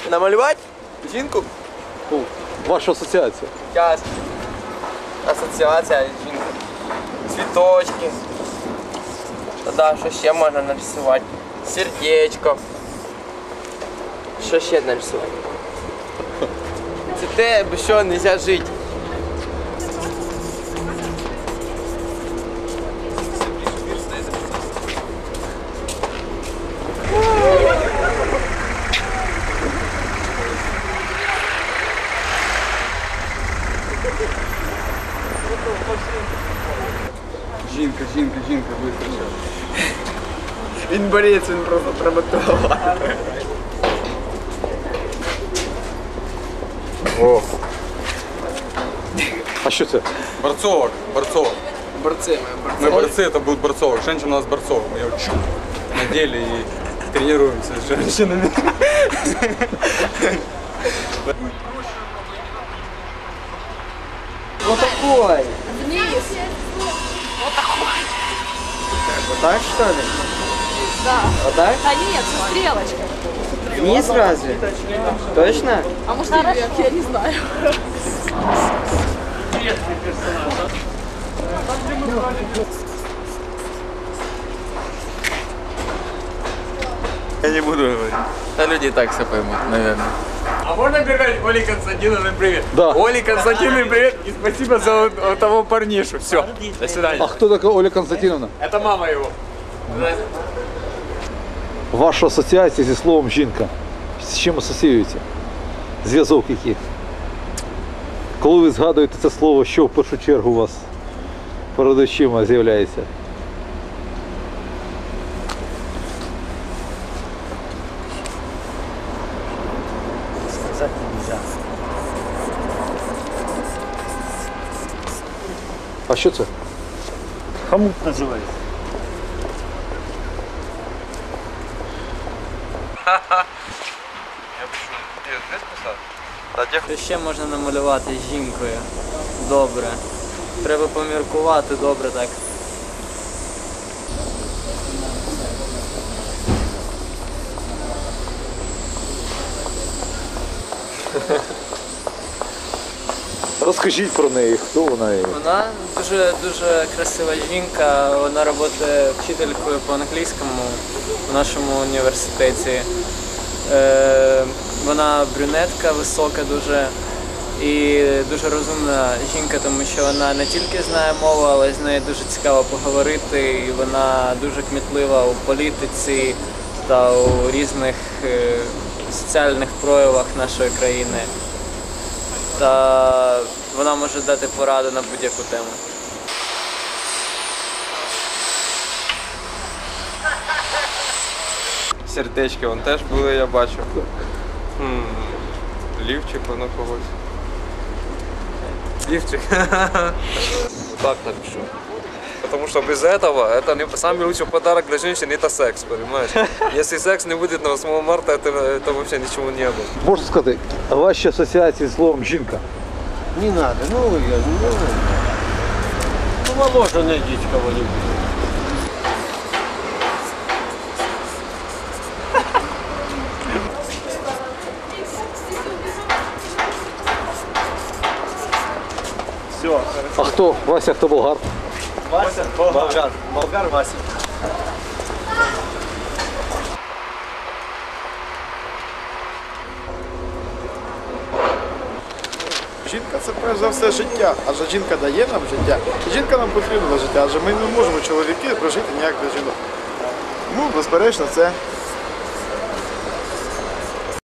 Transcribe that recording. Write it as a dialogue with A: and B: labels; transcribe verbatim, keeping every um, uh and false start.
A: Намалювати жінку?
B: Ну, ваша асоціація.
A: Час. Асоціація жінки. Цвіточки. Тоді що ще можна нарисувати? Сердечко. Що ще нарисувати? Це те, без чого не можна жити.
C: Жінка, жінка, жінка, вистачає.
A: Він борець, він просто треба того.
C: О,
B: А що це?
C: борцовок, борцовок.
A: Борці,
C: Мы борцы, это будет борцовок. Женщина у нас борцовок. Мы ее чук надели и тренируемся с женщинами.
A: Вот такой.
D: Вниз.
A: Вот так что ли?
D: Да.
A: Вот так?
D: Да нет, со стрелочкой.
A: Вниз разве? Точно?
D: А может вверх, я не знаю.
C: Я не буду говорить.
A: Да люди и так все поймут, наверное.
E: А можно передать Оле Константиновне привет?
B: Да.
E: Оле Константиновне привет и спасибо за вот, вот того парнишу. Все, до свидания.
B: А хто така Оля Константиновна?
E: Это мама его.
B: Ваша асоціація зі словом жінка. З чим асоціюється? Зв'язок який? Коли ви згадуєте це слово, що в першу чергу у вас перед очима з'являється?
A: Сказать нельзя.
B: А що це?
F: Хомут називається.
G: Що ще можна намалювати з жінкою? Добре. Треба поміркувати добре так.
B: Розкажіть про неї, хто вона є?
G: Вона дуже дуже красива жінка. Вона працює вчителькою по англійському в нашому університеті. Е, вона брюнетка, висока дуже і дуже розумна жінка, тому що вона не тільки знає мову, але з нею дуже цікаво поговорити. І вона дуже кмітлива у політиці та у різних е, соціальних проявах нашої країни. Та вона може дати пораду на будь-яку тему.
C: Сердечки вон теж були, я бачу. М, Лівчик воно когось. Лівчик. Так напишу. Потому что без этого это не самый лучший подарок для женщин это секс, понимаешь? Если секс не будет на восьмое марта, это, это вообще ничего не было.
B: Можна сказати, ваші асоціації з словом жінка?
F: Не надо, ну я ну, ну моложе найдите кого-нибудь. Все.
B: А хто? Вася, хто болгар?
F: Вася, болгар. Болгар Вася.
H: Жінка це перш за все життя, адже жінка дає нам життя. Жінка нам потрібна для життя, адже ми не можемо чоловіки прожити ніяк без жінок. Ну, безперечно, це